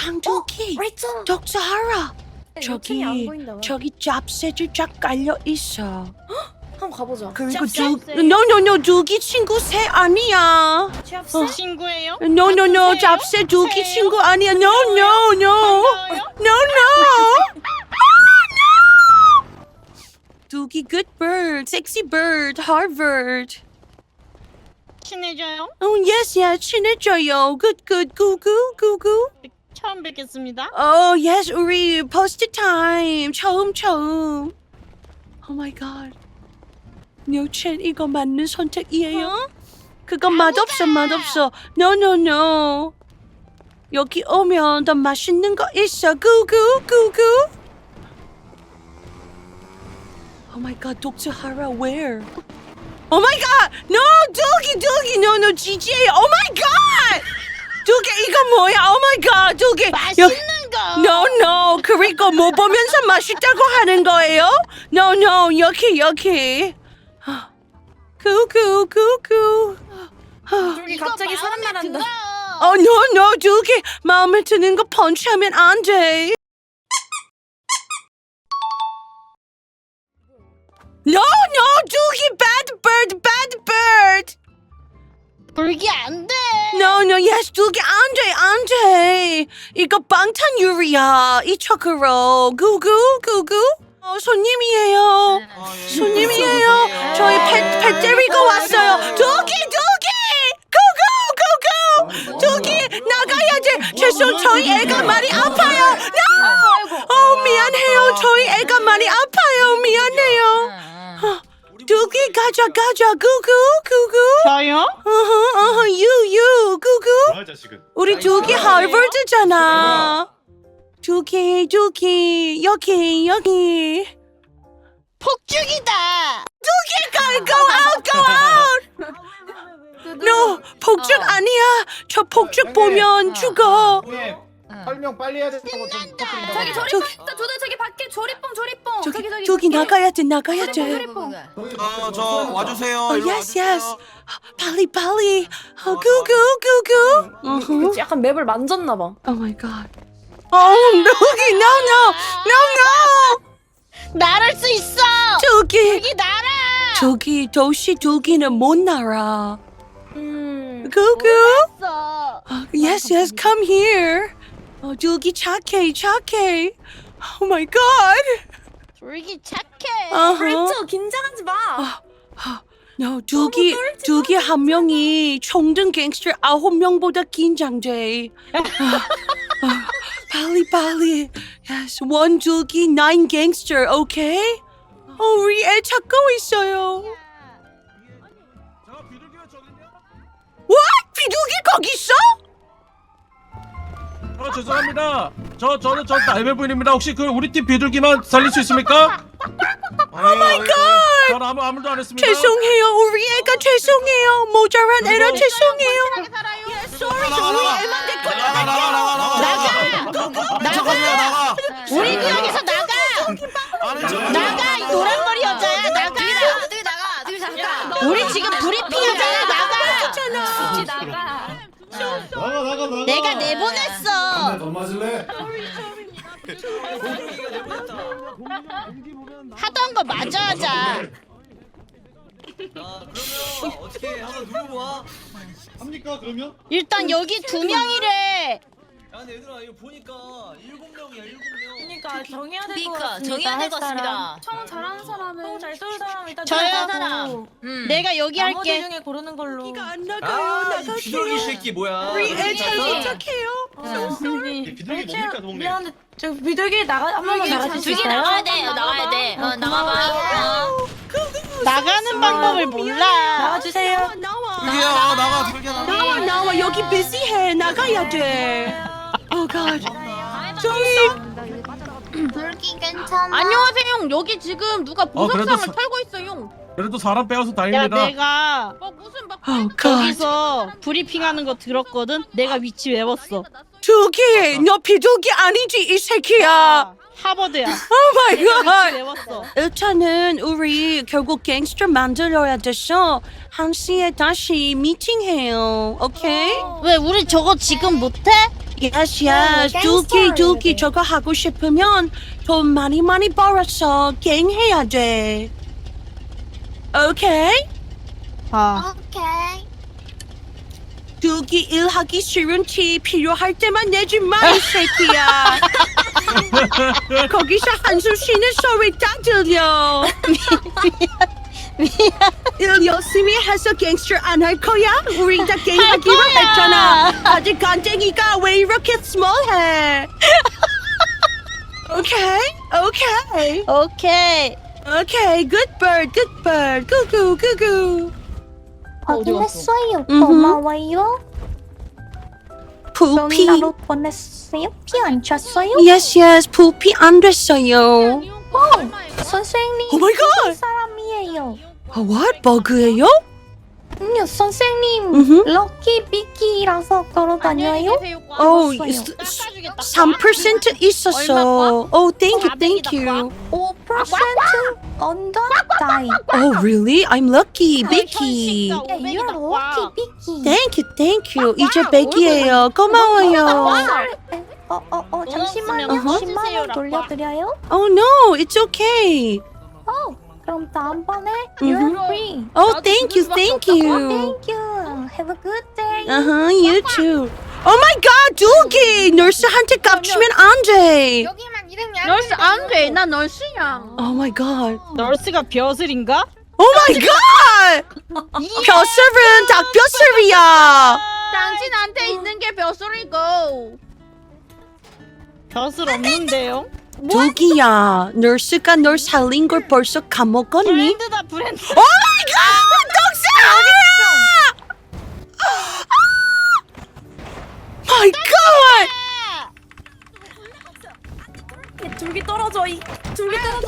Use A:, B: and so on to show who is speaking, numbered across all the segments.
A: 강두기,
B: 레이첼.
A: 덕스 하라.
B: 요청이 안 보인다.
A: 저기 짭새들 쫙 깔려 있어.
B: 한번 가보자.
A: 그리고
C: 짭새?
A: 노노노 두기 친구 새 아니야.
B: 취업생?
C: 친구예요?
A: 노노노
C: 짭새예요?
A: 짭새 두기
C: 새예요?
A: 친구 아니야. 노노노
C: 반가워요?
A: 노노. 두기 good bird, sexy bird, Harvard.
C: 친해져요?
A: Yes, yes, 친해져요. Good, good, 구구, 구구.
C: 처음 뵙겠습니다.
A: Yes, 우리 post time 처음. Oh my god. 뇨첸 이거 맞는 선택이에요? 그건 맛없어. No. 여기 오면 더 맛있는 거 있어. 구구. Oh my god, Dr. Hara, where? Oh my god! No, 두기, no, GGA. Oh my god! 두기 이거 뭐야? Oh my god, 두기.
C: 맛있는 거.
A: No. 그리고 뭐 보면서 맛있다고 하는 거예요? No, 여기. 구구.
B: 저기 갑자기 사람 말한다.
A: No, 두기. 마음에 드는 거 펀치하면 안 돼. No, 두기, bad bird.
C: 불기 안 돼.
A: No, yes, 두기 안 돼. 이거 방탄유리야. 이쪽으로. 구구. 손님이에요. 저희 펫 데리고 왔어요. 두기. 구구. 두기, 나가야 돼. 죄송, 저희 애가 많이 아파요. No! 미안해요. 저희 애가 많이 아파요. 미안해요. 두기, 가자. 구구.
C: 저요?
A: you, 구구.
D: 뭐야 자식은.
A: 우리 두기 하버드잖아. 두기, 여기.
C: 폭죽이다.
A: go out. No, 폭죽 아니야. 저 폭죽 보면 죽어.
D: 형님 설명 빨리 해야 된다고 좀 부탁드립니다.
B: 저기 조리뽕 있다. 저기 밖에 조리뽕.
A: 저기 나가야 돼.
B: 조리뽕.
E: 저 와주세요.
A: Yes. 빨리. 구구.
B: 그치, 약간 맵을 만졌나 봐.
A: Oh my god. 두기, no.
C: 날을 수 있어.
A: 두기.
C: 불기 날아.
A: 저기 도시 두기는 못 날아. 구구.
C: 있어.
A: Yes, come here. 두기 착해. Oh my god.
C: 불기 착해.
B: 레이첼 긴장하지 마.
A: No, 두기 한 명이 총등 갱스터 9명보다 긴장돼. 빨리. Yes, one 두기, 9 gangster, okay? 우리 애 찾고 있어요. What? 비둘기 거기 있어?
F: 죄송합니다. 저는 날배 부인입니다. 혹시 그 우리 팀 비둘기만 살릴 수 있습니까?
E: 오 마이 갓.
F: 전 아무도 안 했습니다.
A: 죄송해요. 우리 애가 죄송해요. 모자란 애라 죄송해요.
E: 나가.
C: 우리 구역에서 나가. 나가 이 노란머리 여자야. 나가. 우리 지금 브리핑하잖아. 나가.
D: 나가.
C: 내가 내보냈어.
D: 더 맞을래?
C: 하던 거 마저 하자.
E: 그러면 어떻게 한번 누르봐.
D: 합니까 그러면?
C: 일단 여기 2명이래.
E: 야 근데 얘들아 이거 보니까 7명이야 7명.
B: 그러니까 정해야 될 것
G: 그러니까
B: 같습니다.
G: 정해야 될 것 같습니다.
B: 총 잘하는 사람은 총잘 쏘는 사람 일단
C: 저요?
B: 들어가고
C: 내가 여기
B: 나머지
C: 할게.
B: 중에 고르는 걸로.
A: 이가 안 나가요.
E: 이 비둘기 새끼 뭐야?
A: 우리 애 잘 부탁해요.
D: 이 비둘기 뭡니까 동네?
B: 미안한데 저 비둘기 한 번만 나가줄 수
G: 둘기
B: 있어요?
G: 나가야 돼. 나가야 돼. 나가봐.
C: 나가는 방법을 몰라.
B: 나와주세요.
E: 비둘기야 나가 비둘기야
A: 나와. 여기 비시해. 나가야 돼. Oh god.
G: 불기 괜찮아.
C: 안녕하세요. 여기 지금 누가
F: 그래도
C: 보석상을
F: 사-
C: 털고 있어요.
F: 그래도 사람 빼어서
C: 야
F: 다행입니다.
C: 내가
G: 무슨 막
A: Oh god.
C: 거기서 브리핑하는 거 들었거든. 내가 위치 외웠어.
A: 두기, 너 비둘기 아니지 이 새끼야.
C: 하버드야.
A: Oh my
C: 내가 위치
A: god.
C: 외웠어.
A: 일단은 우리 결국 갱스터 만들어야 돼서 1시에 다시 미팅해요. 오케이?
C: 왜 우리 저거 지금 못해?
A: Yes, yes. 두기 저거 하고 싶으면 돈 많이 벌어서 갱해야 돼. 오케이?
G: 오케이.
A: 두기 일하기 싫은 티 필요할 때만 내지 마, 이 새끼야. 거기서 한숨 쉬는 소리 딱 들려. 일 열심히 해서 갱스터 안 할 거야? 우리 다 갱하기로 했잖아. 아직 간땡이가 왜 이렇게 스몰해? 오케이. Good bird. 구구.
H: 확인했어요.
A: 음흠.
H: 고마워요.
A: 부피.
H: 명나로 보냈어요. 피 안 찼어요?
A: Yes. 부피 안 됐어요.
H: 선생님.
A: Oh my God.
H: 무슨 사람이에요?
A: What? 버그예요?
H: 선생님.
A: 음흠.
H: 럭키 비키라서 걸어다녀요?
A: Oh,
H: 없어요.
A: 3% 있었어. Oh, thank you.
H: 5% 언더 다이.
A: Oh, really? I'm lucky, Vicky.
H: You're lucky 비키.
A: Thank you. 이제 100이에요. 고마워요.
H: 잠시만요.
A: 어허.
H: 10만 원 돌려드려요?
A: Oh, no, it's okay.
H: 그럼 다음번에
A: 음흠.
H: you're free.
A: Oh, thank you.
H: Thank you. Have a good day.
A: You too. Oh my God, 두기! 널스한테 깝치면 안 돼.
G: 여기만 이름이
C: 널스 안 돼. 나 널스야.
A: Oh my God.
C: 널스가 벼슬인가?
A: Oh my God! 벼슬은 닭벼슬이야.
C: 당신한테 있는 게 벼슬이고. 벼슬 없는데요?
A: 두기야, 널스가 널 살린 걸 벌써 까먹었니?
C: 브랜드다 브랜드.
A: Oh my God! 덕스 아니야! My God!
B: 둘기 떨어져. 둘기 떨어져.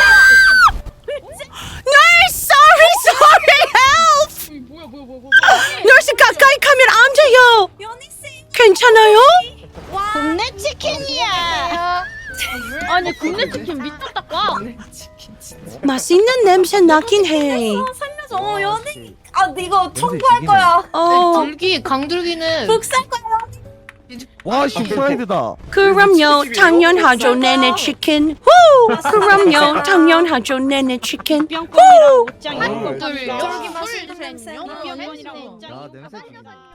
A: 널스, sorry, help! 널스 가까이 가면 안 돼요. 괜찮아요?
C: 국내 치킨이야. 아니 국내 치킨 미쳤다 까.
A: 맛있는 냄새 나긴 해.
B: 살려줘. 연예인. 아, 이거 청구할 거야.
G: 강둘기는
B: 복살 거야.
I: 와씨 프라이드다.
A: 그럼요, 당연하죠, 네네 치킨. 후! 그럼요, 당연하죠, 네네 치킨.
C: 뿅뿅이랑 옷장이.
D: 어.
C: 쫄기
B: 맛있는 냄새.
I: 야 냄새 좋네.